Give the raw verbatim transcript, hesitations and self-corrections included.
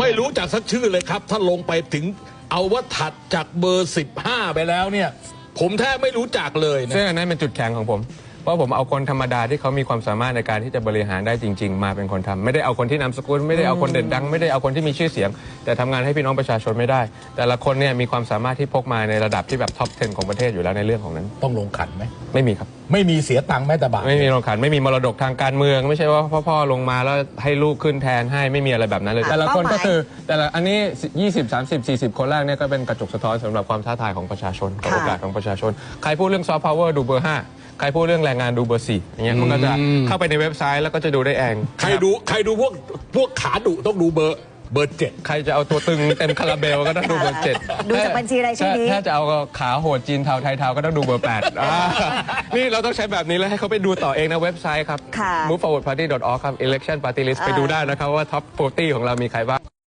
ไม่รู้จักสักชื่อเลยครับถ้าลงไปถึงเอาว่าถัดจากเบอร์สิบห้าไปแล้วเนี่ยผมแทบไม่รู้จักเลยนะซึ่งอันนั้นเป็นจุดแข็งของผมเพราะผมเอาคนธรรมดาที่เขามีความสามารถในการที่จะบริหารได้จริงๆมาเป็นคนทำไม่ได้เอาคนที่นามสกุลไม่ได้เอาคนเด่นดังไม่ได้เอาคนที่มีชื่อเสียงแต่ทำงานให้พี่น้องประชาชนไม่ได้แต่ละคนเนี่ยมีความสามารถที่พกมาในระดับที่แบบท็อปสิบของประเทศอยู่แล้วในเรื่องของนั้นต้องลงขันไหมไม่มีครับไม่มีเสียตังค์แม้แต่บาทไม่มีลงขันไม่มีมรดกทางการเมืองไม่ใช่ว่าพ่อๆลงมาแล้วให้ลูกขึ้นแทนให้ไม่มีอะไรแบบนั้นเลยแต่ละคนก็คือแต่ละอันนี้ยี่สิบ สามสิบ สี่สิบคนแรกเนี่ยก็เป็นกระจกสะท้อนสำหรับความท้าทายของประชาชนกับโอกาสของประชาชนใครพูดเรื่องซอฟต์พาวเวอร์ดูเบอร์ห้าใครพูดเรื่องแรงงานดูเบอร์สี่อย่างเงี้ยมันก็จะเข้าไปในเว็บไซต์แล้วก็จะดูได้เองใครดูใครดูพวกพวกขาดุต้องดูเบอร์เบอร์เจ็ดใครจะเอาตัวตึงเต็มคาราเบลก็ต้องดูเบอร์เจ็ดดูจากบัญชีรายชื่อนี้ถ้าจะเอาขาโหดจีนเทาไทยเทาก็ต้องดูเบอร์แปดนี่เราต้องใช้แบบนี้แล้วให้เขาไปดูต่อเองนะเว็บไซต์ครับ มูฟ ฟอร์วาร์ด พาร์ตี้ ดอท ออร์ก ครับ Election Party List ไปดูได้นะครับว่าท็อปสี่สิบของเรามีใครบ้าง